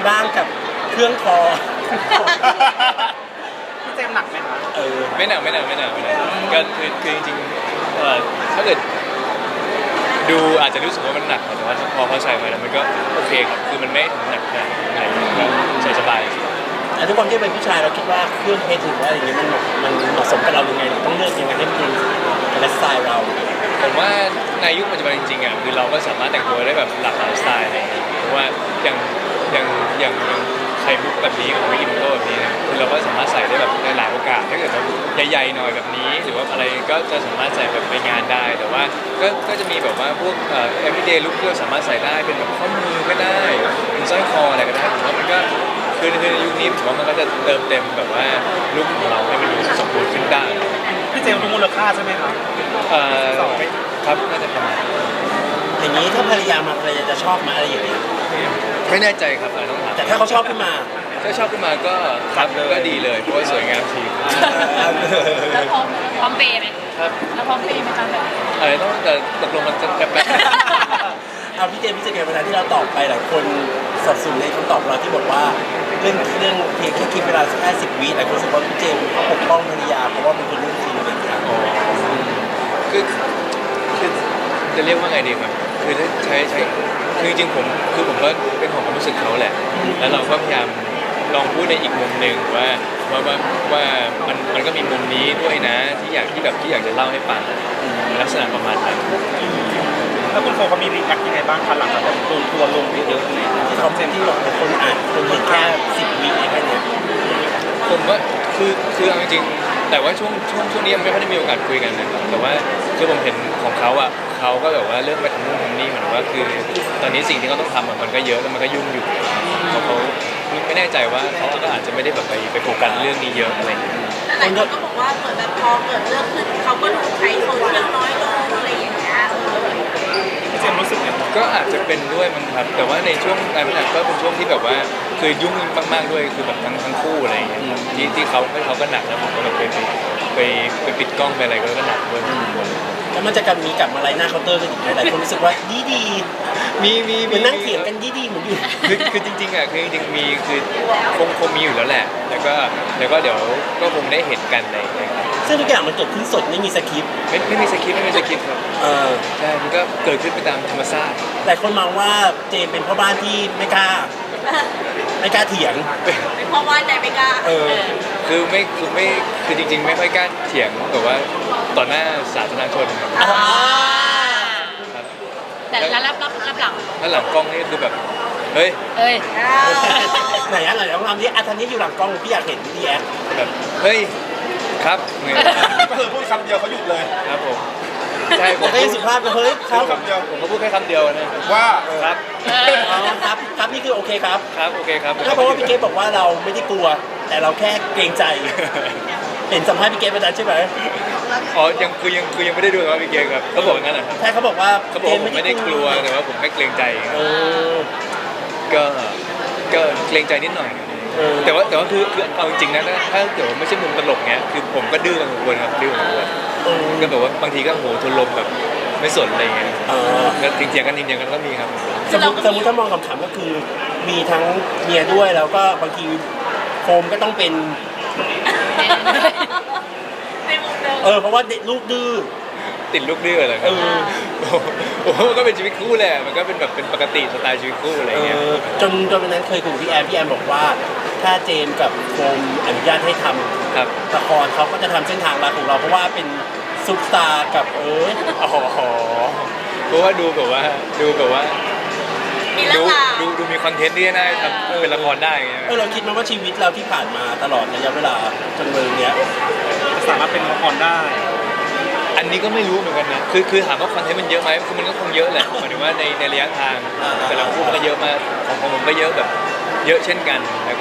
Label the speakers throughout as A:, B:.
A: บ้างกับเครื่องคอ
B: พี่เจมส์หนักไหมคะ
C: ไม่หนักก็คือจริงๆถ้าเกิดดูอาจจะรู้สึกว่ามันหนักแต่ว่าพอใส่ไปแล้วมันก็โอเคครับคือมันไม่ถึงหนักขนาดก็ใส่สบาย
A: แต่ทุกคนที่เป็นผู้ชายเราคิดว่าเครื่องเพชรหรือว่าอะไรอย่างเงี้ยมันเหมาะสมกับเรายังไงเราต้องเลือกยังไงให้มันเป็นไลฟ์สไตล์เรา
C: ผมว่าในยุคปัจจุบันจริงๆอ่ะคือเราก็สามารถแต่งตัวได้แบบหลากหลายสไตล์อะไรอย่างเงี้ยเพราะว่าอย่างไข่มุกแบบนี้ของวิกิโก้แบบนี้เนี่ยคือเราก็สามารถใส่ได้แบบในหลายโอกาสถ้าเกิดเราใหญ่ๆหน่อยแบบนี้หรือว่าอะไรก็จะสามารถใส่แบบไปงานได้แต่ว่าก็จะมีแบบว่าพวกeveryday look ที่เราสามารถใส่ได้เป็นแบบข้อมือก็ได้เป็นสร้อยคออะไรก็ได้ผมว่ามันก็คือในยุคนี้ผมว่ามันก็จะเติมเต็มแบบว่าลุคของเราให้มันดูสมบูรณ์ขึ้นได้
B: พี่เจมส์รู้มูลค่าใช่ไหมครับ
C: ครับน่าจะประมาณ
A: อย่างนี้ถ้าภรรยามาภรรยาจะชอบไหมาอะไรอย่างเงี้ย
C: ไม่แน่ใจครับต้องถาม
A: แต่ถ้าเขาชอบขึ้นมา
C: ก็ครับก็ดีเลยเพราะว่าสวยงามที
D: แล้วพร้อมเปย์ไหม
C: ครับ
D: แล้วพร้อมเปย์ไหมคะแบบ
C: อะไรต้องแต่ตกลงมันจะแป๊บ
A: เอาพี่เจมส์เวลาที่เราตอบไปหลายคนสับสนในคำตอบเราที่บอกว่าเรื่องเพียงแค่คิดเวลาแค่10 วิหลายคนรู้สึกว่าพี่เจมส์เขาปกป้องภรรยาเพราะว่ามันเป็นเรื่องจริงอะไรอย่างเงี้ย
C: คือจะเรียกว่าไงดีครับคือใช้คือจริงๆผมก็เป็นของความรู้สึกเขาแหละแล้วเราก็พยายามลองพูดในอีกมุมหนึ่งว่ามันก็มีมุมนี้ด้วยนะที่อยากจะเล่าให้ฟังลักษณะประมาณนั้น
B: แล้วคุณโฟเขามีรีแอคยังไงบ้างคะหลังจากโดนทัวร์ลงเยอะๆอะไร
A: ที่เขาเซ็นที่บอกคนอ่านคนเห็นแค่10 วิแค่นี้
C: ผมว่าคือเอาจริงๆแต่ว่าช่วงนี้ยังไม่ค่อยได้มีโอกาสคุยกันนะครับแต่ว่าคือผมเห็นของเขาอ่ะเขาก็แบบว่าเริ่มไปทำนู่นทำนี่เหมือนว่าคือตอนนี้สิ่งที่เขาต้องทำมันก็เยอะแล้วมันก็ยุ่งอยู่เขาไม่แน่ใจว่าเขาก็อาจจะไม่ได้แบบไปโฟกัสเรื่องนี้เยอะอะไรอย่างเงี้ย
D: หลายคนก็บอกว่าเหมือนแบบพอเกิดเรื่องขึ้นเขาก็ใช้โซเชียลน้อยลงอะไรอย่างเงี้ย
B: พี่เจมส์รู้สึกไง
C: ก็อาจจะเป็นด้วยมันครับแต่ว่าในช่วงการพัฒนาก็เป็นช่วงที่แบบว่าคือยุ่งมากๆด้วยคือแบบทั้งคู่อะไรอย่างเงี้ยที่เขาก็หนักแล้วผมก็แบบไปปิดกล้องไปอะไรก็หนักด้วย
A: แล้วมันจะมีกลับมาไล่หน้าเคาน์เตอร์กันอีกหลายคนรู้สึกว่าดี
C: มี
A: เหมือนนั่งเถียงกันดีเหมือนอยู่
C: คือจริงๆอ่ะคือจริงๆมีคือคงมีอยู่แล้วแหละแล้วก็เดี๋ยวก็คงได้เห็นกันอะไรอย่างเงี้ยครับ
A: ซึ่งทุกอย่างมันเกิดขึ้นสดไม่มีสคริปต์
C: ไม่มีสคริปต์ครับใช่มันก็เกิดขึ้นไปตามธรรมชาติ
A: หลายคนมองว่าเจมเป็นพ่อบ้านที่ไม่กล้าเถียง
D: เป็นพ่อบ้านใจไม่กล้า
C: คือจริงๆไม่ค่อยกล้าเถียงแต่ว่าต่อหน้าสาธารณชนครับ
D: แต่รับหลัง
C: แล้วหลังกล้องนี่คือแบบเฮ้ย
A: ไหนลองทำดิทันนี้อยู่หลังกล้องพี่อยากเห็นดีแอค
C: แบบเฮ้ยครับ
B: ก็คือพูดคำเดียวเขาหยุดเลย
C: ครับผมใช่ผม
A: ก็ยังสุภาพเฮ้ยครับ
C: ผมก็พูดแค่คำเดียวนะ
B: ว่า
C: ครับ
A: ครับนี่คือโอเคครับ
C: โอเคครับ
A: เพราะว่าพี่เกฟบอกว่าเราไม่ได้กลัวแต่เราแค่เกรงใจเห็นสัมภาษณ์พี่เกฟประจำใช่ไหม
C: อ๋อยังไม่ได้ดูครับพี่เกฟครับเขาบอกงั้นเหรอ
A: ใช่เขาบอกว่า
C: ผมไม่ได้กลัวแต่ว่าผมแค่เกรงใจก็เกรงใจนิดหน่อยแต่ว่าคือเอาจริงๆนะถ้าเกิดไม่ใช่มุมตลกเงี้ยคือผมก็ดื้อกันทุกคนครับดื้อกันทุกคนก็แบบว่าบางทีก็โหทนลมแบบไม่สนอะไรเงี้ยก็เถียงกันก็มีครับ
A: สมมติถ้ามองคำๆก็คือมีทั้งเมียด้วยแล้วก็บางทีโฟมก็ต้องเป็นเพราะว่าลูกดื้อ
C: ติดลูกดื้ออะไรครับโอ้ก็เป็นชีวิตคู่แหละมันก็เป็นแบบเป็นปกติสไตล์ชีวิตคู่อะไรเงี้ย
A: จนวันนั้นเคยคุยกับพี่แอมบอกว่าถ้าเจมกับโฟมอนุญาตให้ทำละครเขาก็จะทำเส้นทางรักของเราเพราะว่าเป็นซุปตาร์กับ
C: เพราะว่าดูแบบว่าดูมีคอนเทนต์ที่น่าทำเป็นละครได้ไง
A: เราคิดมาว่าชีวิตเราที่ผ่านมาตลอดระยะเวลาจนวันนี้
B: สามารถเป็นละครได้
C: อันนี้ก็ไม่รู้เหมือนกันนะคือถามว่าคอนเทนต์มันเยอะไหมคือมันก็คงเยอะแหละหมายถึงว่าในระยะทางแต่ละคู่มันก็เยอะมากของผมก็เยอะแบบเยอะเช่นกันแล้ว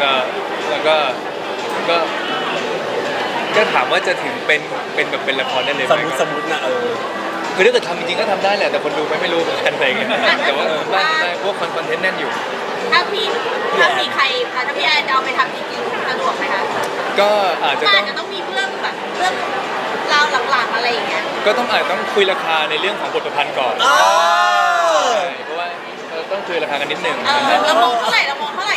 C: ก็ถามว่าจะถึงเป็นแบบเป็นละครได้เลยไหม
A: สมมตินะ
C: คือถ้าเกิดทำจริงๆก็ทำได้แหละแต่คนดูไม่รู้เหมือนกันอะไรเงี้ยแต่ว่าไม่พวกคอนเทนต์แน่นอยู่
D: ถ้ามีใครถ้าพี่แอนจะเอาไปทำจริงๆสะดวกไหมคะ
C: ก็อาจจะ
D: ต้องมีเรื่องราวหลังๆอะไรอย่างเงี้ย
C: ก็อาจต้องคุยราคาในเรื่องของบทประพันธ์ก่อนเพราะว่าต้องคุยราคากันนิดนึง
D: เรามองเท่าไหร่เนี่ย10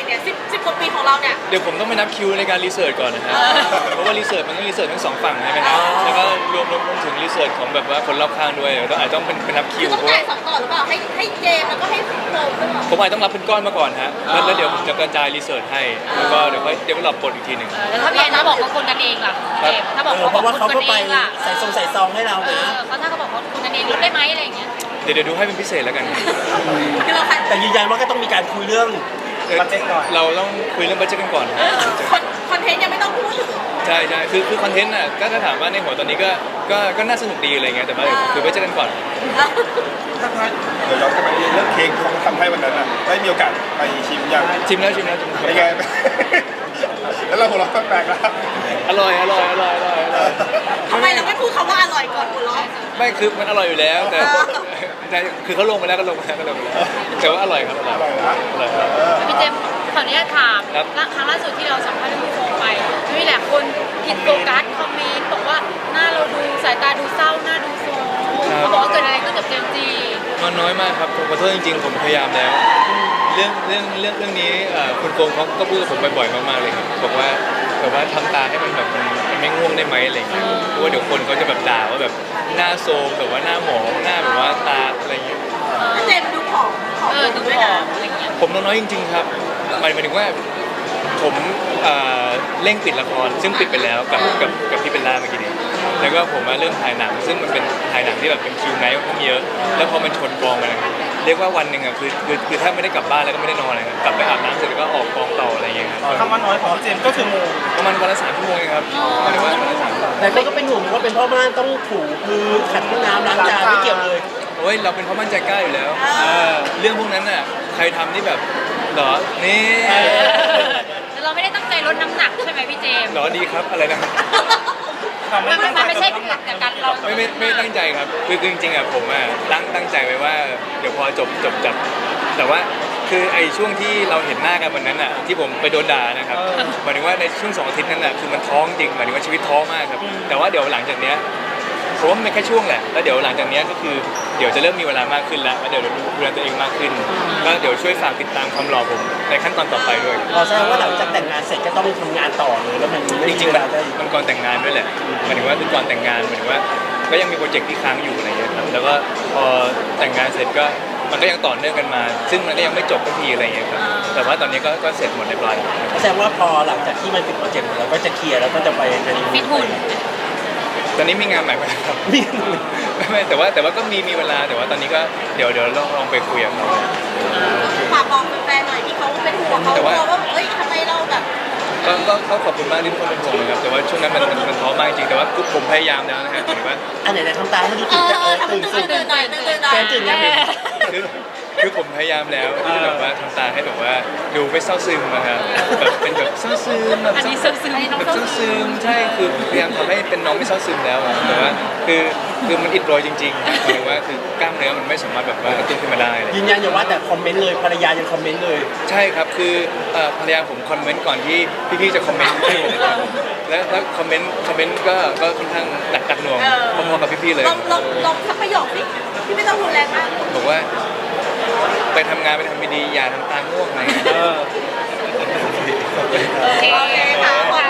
D: 10 กว่าปีของเราเนี่ย
C: เดี๋ยวผมต้องไปนับคิวในการรีเสิร์ชก่อนนะฮะเพราะว่ารีเสิร์ชมันต้องรีเสิร์ชทั้งสองฝั่งใช่ไหมครับแล้วก็รวมถึงรีเสิร์ชของแบบว่าคนรอบข้างด้วยต้องอาจจะต้องเป็นนับคิ
D: คือ
C: ว
D: ต้อง
C: เพราะ
D: จ่า
C: ว่าย
D: 2 ต่อหรือเปล่าให้เจมส์แล้วก็ให้โฟมด้วยเปล่า
C: ผมอาจจะต้องรับเป็นก้อนมาก่อนฮะแล้วเดี๋ยวผมจะกระจายรีเสิร์ชให้แล้วก็เดี๋ยวค่อยเดี๋ยวเราบทอีกทีหนึ่ง
E: แล้วถ้าพี่แอนถ้าบอกว่าคนกันเองล่ะเจมส์ถ้าบอก
A: เพราะว่าเขา
E: คน
A: ก็
E: กัน
A: ไป
E: เองล่ะ
A: ใส่ซองให้เรานะ
E: เขาถ้าเขาบอกว่าคนกันเองลดได้ไหมอะไรอย่างเงี้ย
C: เดี๋ยวดูให้เป็นพิเศษแล้วกัน
D: คือเราคัด
A: แต่ยืนยันว่าก็ต้องมีการคุยเรื่อง
B: บัดเจ็ตก่อน
C: เราต้องคุยเรื่องบัดเจ็ตกันก่อน
D: คอนเทนต์ยังไม่ต้องพูดถึง
C: ใช่ใช่คือคอนเทนต์น่ะก็ถ้าถามว่าในหัวตอนนี้ก็น่าสนุกดีอะไรเงี้ยแต่ว่าคุยบัดเจ็ตกันก่อน
F: ถ้าเดี๋ยวย้อนกลับไปเรื่องเค้กที่เขาทำให้วันนั้นอ่ะได้มีโอกาสไปชิมยัง
C: ชิมแล้ว
F: เป็นไง แล้วเราหัวเราะแปลกๆแล้ว
C: อร่อย
D: ทำไมเราไม่พูดคำว่าอร่อยก่อนหัวเราะ
C: ไม่คือมันอร่อยอยู่แล้วแต่
D: เออ
C: แต่คือเขาลงไปแล้วก็ลงไปแล้วแต่ว่าอร่อยครับอร่อย
F: อร่อยนะ
C: อร่อยครับ
E: พี่เจมส์ขออนุญาตถาม
C: ครับ
E: ครั้งล่าสุดที่เราสัมภาษณ์พี่โฟมไปมีหลายคนผิดโฟกัสคอมเมนต์บอกว่าหน้าเราดูสายตาดูเศร้าหน้าดูโซมเขาบอกว่าเกิดอะไรขึ้นกับเจมส์จี
C: มันน้อยมากครับผมขอโทษจริงๆผมพยายามแล้ว เรื่องนี้คุณโกงเขาก็พูดกับผมบ่อยๆมากๆเลยครับบอกว่าแบบว่าทำตาให้มันแบบมันไม่ง่วงได้ไหมอะไรอย่างเงี้ยเพราะว่าเดี๋ยวคนเขาจะแบบด่าว่าแบบหน้าโซมแบบว่าหน้าหมองหน้าแบบว่าตาอะไรอย่างเงี้ย
D: เจมส์ดูผอม
E: ดู
D: ด้วย
E: ผอ
D: นะ
E: มอะไรอย่างเงี้ย
C: ผมน้อยจริงๆครับหมายถึงว่าผมเร่งปิดละครซึ่งปิดไปแล้วกับพี่เบลล่าเมื่อกี้นี้แล้วก็ผมมาเริ่มถ่ายหนังซึ่งมันเป็นถ่ายหนังที่แบบเป็นคิวไนท์ค่อนข้างเยอะแล้วพอมันชนกองกันนะครับเรียกว่าวันหนึ่งอ่ะคือถ้าไม่ได้กลับบ้านแล้วก็ไม่ได้นอนเลยครับกลับไปอาบน้ำเสร็จแล้วก็ออกกองต่ออะไรอย่างเงี้ยครับ
B: คำว่าน้อยของพี่เจมส์ก็คือ
C: ประมาณวันละ3 ชั่วโมงเองครับหมายถึงว่าวันละ3 ชั่วโมง
A: แต่ก็เป็นห่วงว่าเป็นพ่อบ้านต้องถูพื้นขัดห้องน้ำล้างจานไม่เกี่ยวเลย
C: โอ้ยเราเป็นพ่อมั่นใจกล้าอยู่แล้วเรื่องพวกนั้นน่ะใครทำนี่แบบเหรอนี่
E: แต่เราไม่ได้ตั้งใจลดน้ำหนักใช่ไหมพี่เจมส์
C: เหรอดีครับอะไรนะ
E: มันไม่ใช่จากการเรา
C: ไม่ตั้งใจครับคือจริงๆอ่ะผมอ่ะตั้งใจไว้ว่าเดี๋ยวพอจบจับแต่ว่าคือไอ้ช่วงที่เราเห็นหน้ากันวันนั้นอ่ะที่ผมไปโดนด่านะครับหมายถึงว่าในช่วง2 อาทิตย์นั้นอ่ะคือมันท้องจริงหมายถึงว่าชีวิตท้อมากครับแต่ว่าเดี๋ยวหลังจากเนี้ยผมว่ามันเป็นแค่ช่วงแหละแล้วเดี๋ยวหลังจากเนี้ยก็คือเดี๋ยวจะเริ่มมีเวลามากขึ้นแล้วเดี๋ยวดูแลตัวเองมากขึ้นก็เดี๋ยวช่วยฝากติดตามความหล่อผมในขั้นตอนต่อไปด้วย
A: พอแสดงว่าหลังจากแต่งงานเสร็จก็ต้องทำงานต่อเลยแล้วมันไม่
C: จ
A: มี
C: ริงๆ
A: เว
C: แบบ
A: ลาได้
C: มันก่อนแต่งงานด้วยแหละหมายถึงว่าคือก่อนแต่งงานหมายถึงว่าก็ยังมีโปรเจกต์ที่ค้างอยู่อะไรอย่างเงี้ยครับแล้วก็พอแต่งงานเสร็จก็มันก็ยังต่อเนื่องกันมา ซึ่งมันก็ยังไม่จบสักทีอะไรอย่างเงี้ยครับแต่ว่าตอนนี้ก็เสร็จหมดเรียบร้อยแล้ว
A: แสดงว่าพอหลังจากที่มันปิดโปรเจกต์เราก็จะเคลียร์แล้วก็จะไปฮันนีมู
E: ฟิตหุ่น
C: ตอนนี้มีงานใหม่มาครับ
A: มี
C: ไม่แต่ว่าก็มีเวลาแต่ว่าตอนนี้ก็เดี๋ยวลองไปคุยกับเขา
D: ฝากบอกแฟนๆหน่อยที่เขาเป็นห่วงเขากลัวว่าเฮ้ยทำไมเราแบบ
C: ก็ขอบคุณมากที่ทุกคนเป็นห่วงนะครับแต่ว่าช่วงนั้นมันท้อมากจริงแต่ว่าผมพยายามแล้วนะฮะหมายถึงว่า
A: อันไหนๆทำตาให้ดูตื่นจะตื่นสุด
D: ตื่นหน่อยตื่นหน่อย
A: แฟนตื่นยัง
C: คือผมพยายามแล้วที่แบบว่าทำตาให้แบบว่าดูไม่เศร้าซึมนะครับแบบเป็นแบบเศร้าซึมแบบ
E: อันนี้ซึมซึม
C: แบบเศร้าซึมใช่คือพยายามทำให้เป็นน้องไม่เศร้าซึมแล้วอะแต่ว่าคือมันอิดโรยจริงๆหมายถึงว่าคือกล้ามเนื้อมันไม่สามารถแบบว่ากระตุ้นขึ้นมาได้เลย
A: ยืนยันอย่าว่าแต่คอมเมนต์เลยภรรยายังคอมเมนต์เลย
C: ใช่ครับคือภรรยาผมคอมเมนต์ก่อนที่พี่ๆจะคอมเมนต์ให้นะครับแล้วคอมเมนต์ก็ค่อนข้างหนักหน่วงพอๆกับพี่ๆเลย
D: ลองสักประโยคสิที่ไม่ต้องรุนแรงมาก
C: บอกว่าไปทำงานไปทำดีๆอย่าทำตาง่วงอะไรอย่างเงี้ย
E: โอเค
D: โอเคค่ะ